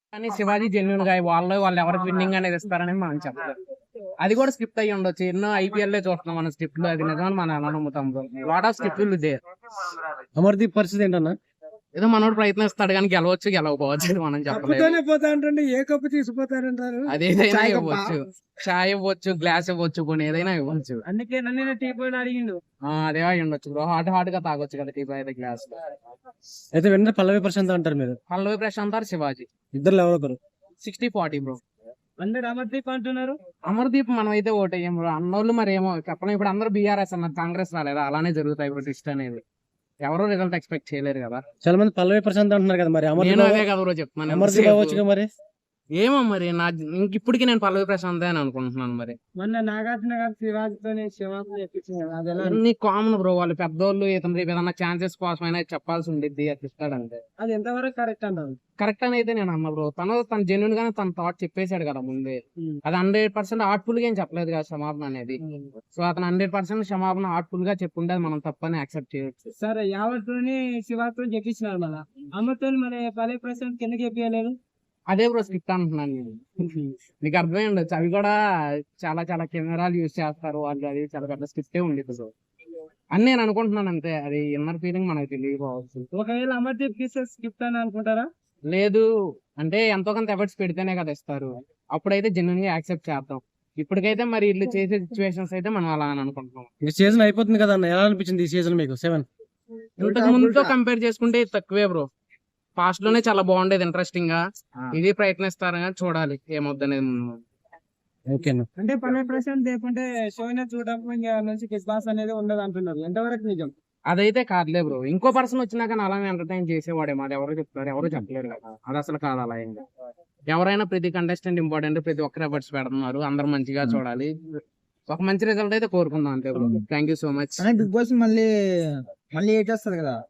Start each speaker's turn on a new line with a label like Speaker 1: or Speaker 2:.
Speaker 1: కానీ శివాజీ జెన్యున్ గా వాళ్ళు ఎవరికి విన్నింగ్ అనేది ఇస్తారని మనం చెప్పలేదు. అది కూడా స్క్రిప్ట్ అయ్యి ఉండొచ్చు. ఎన్నో ఐపీఎల్ చూస్తున్నాం మనం స్క్రిప్ట్ లో, అది నిజమని మనం ఎలా నమ్ముతాం బ్రో? లాట్ ఆఫ్ స్క్రిప్ట్లు ఇదే.
Speaker 2: అమర్దీప్ పరిస్థితి ఏంటన్నా?
Speaker 1: ఏదో మనోడు ప్రయత్నిస్తాడు కానీ గెలవచ్చు గెలవకపోవచ్చు, అది మనం చెప్పలేదు.
Speaker 2: పోతా అంటే ఏ కప్పు తీసుకుపోతారంటారు.
Speaker 1: అదేదైనా ఇవ్వచ్చు, చాయ్ ఇవ్వచ్చు, గ్లాస్ ఇవ్వచ్చు, కొన్ని ఏదైనా ఇవ్వచ్చు.
Speaker 2: అందుకే నన్ను టీ పోయి అడిగిండు.
Speaker 1: అదే అయి ఉండొచ్చు బ్రో. హాట్ గా తాగొచ్చు కదా టీ అయితే గ్లాస్.
Speaker 2: అయితే వెంటనే పల్లవి ప్రశాంత్ అంటారు మీరు?
Speaker 1: పల్లవి ప్రశాంత్ ఆర్ శివాజీ,
Speaker 2: ఇద్దరు ఎవరొకరు.
Speaker 1: 60-40 బ్రో.
Speaker 2: అందరు అమర్దీప్ అంటున్నారు.
Speaker 1: అమర్దీప్ మనం అయితే ఓటేయం బ్రో. అన్నోళ్ళు మరి ఏమో చెప్పలేం. ఇప్పుడు అందరూ బీఆర్ఎస్ అన్నారు, కాంగ్రెస్ రాలేదా? అలానే జరుగుతాయి ఇప్పుడు ట్విస్ట్ అనేది. ఎవరో రిజల్ట్ ఎక్స్పెక్ట్ చేయలేరు కదా.
Speaker 2: చాలా మంది పల్లవి ప్రశాంత్ అంటున్నారు కదా, మరి
Speaker 1: నేను అదే కదా బ్రో చెప్తున్నాను.
Speaker 2: అమర్దీప్ అవ్వచ్చు మరి.
Speaker 1: ఏమో మరి ఇప్పటికీ నేను పల్లవి ప్రశాంత్ అని అనుకుంటున్నాను. మరి
Speaker 2: మొన్న నాగార్జున గారు శివాజీతో చెప్పించారు.
Speaker 1: అన్ని కామన్ బ్రో. వాళ్ళు పెద్దోళ్ళు ఇతను ఏదన్నా ఛాన్సెస్ కోసమైనా చెప్పాల్సి ఉండిద్ది, అది ఇస్తాడంటే.
Speaker 2: అది ఎంతవరకు కరెక్ట్ అంటారు?
Speaker 1: కరెక్ట్ అని అయితే నేను అన్నా బ్రో. తన జెన్యున్ గానే తన థాట్ చెప్పేశాడు కదా ముందే. అది 100% ఆర్ట్ఫుల్ గా ఏం చెప్పలేదు కదా క్షమాపణ అనేది. సో అతను 100% క్షమాపణ ఆర్ట్ఫుల్ గా చెప్పుంటే అది మనం తప్పని యాక్సెప్ట్ చేయొచ్చు.
Speaker 2: సరే, యావత్తోని శివాతో చెప్పించినారు మళ్ళా. అమ్మతో మరి పల్లవి ప్రశాంత్ కిందకి చెప్పలేదు.
Speaker 1: అదే బ్రో స్క్రిప్ట్ అంటున్నాను నేను. నీకు అర్థమై ఉండొచ్చు. అవి కూడా చాలా చాలా కెమెరాలు యూజ్ చేస్తారు వాళ్ళు. అది చాలా పెద్ద స్క్రిప్టే ఉండేది బ్రో అని నేను అనుకుంటున్నాను అంతే. అది ఇన్నర్ ఫీలింగ్ మనకు తెలియకపోవచ్చు.
Speaker 2: ఒకవేళ అమర్దీప్ స్క్రిప్ట్ అని అనుకుంటారా?
Speaker 1: లేదు అంటే ఎంతో కొంత ఎఫర్ట్స్ పెడితేనే కదా ఇస్తారు. అప్పుడైతే జెన్యున్ గా యాక్సెప్ట్ చేద్దాం. ఇప్పటికైతే మరి ఇల్లు చేసే సిచ్యువేషన్స్ అయితే మనం అలా అని అనుకుంటున్నాం.
Speaker 2: ఈ సీజన్ అయిపోతుంది కదా అన్న, ఎలా అనిపించింది ఈ సీజన్ మీకు 7?
Speaker 1: ఇంతకు ముందుతో కంపేర్ చేసుకుంటే తక్కువే బ్రో. పాస్ట్ లోనే చాలా బాగుండేది, ఇంట్రెస్టింగ్ గా. ఇది ప్రయత్నిస్తారని చూడాలి ఏమవుద్దనేది.
Speaker 2: అంటే పల్లవి ప్రశాంత్ లేకుంటే షోయినా చూడడం నుంచి బిగ్ బాస్ అనేది ఉండదు అంటున్నారు. ఎంతవరకు నిజం?
Speaker 1: అదైతే కాదులే బ్రో. ఇంకో పర్సన్ వచ్చినాక అలానే ఎంటర్టైన్ చేసేవాడేమో. అది ఎవరు చెప్తారు? ఎవరు చెప్పలేరు కదా. అది అసలు కాదు అలా ఏంటి. ఎవరైనా ప్రతి కంటెస్టెంట్ ఇంపార్టెంట్, ప్రతి ఒక్కరు ఎఫర్ట్స్ పెడుతున్నారు. అందరు మంచిగా చూడాలి. ఒక మంచి రిజల్ట్ అయితే కోరుకుందాం అంతే bro. Thank you so much.
Speaker 2: Bigg Boss మళ్ళీ ఏం చేస్తారు కదా,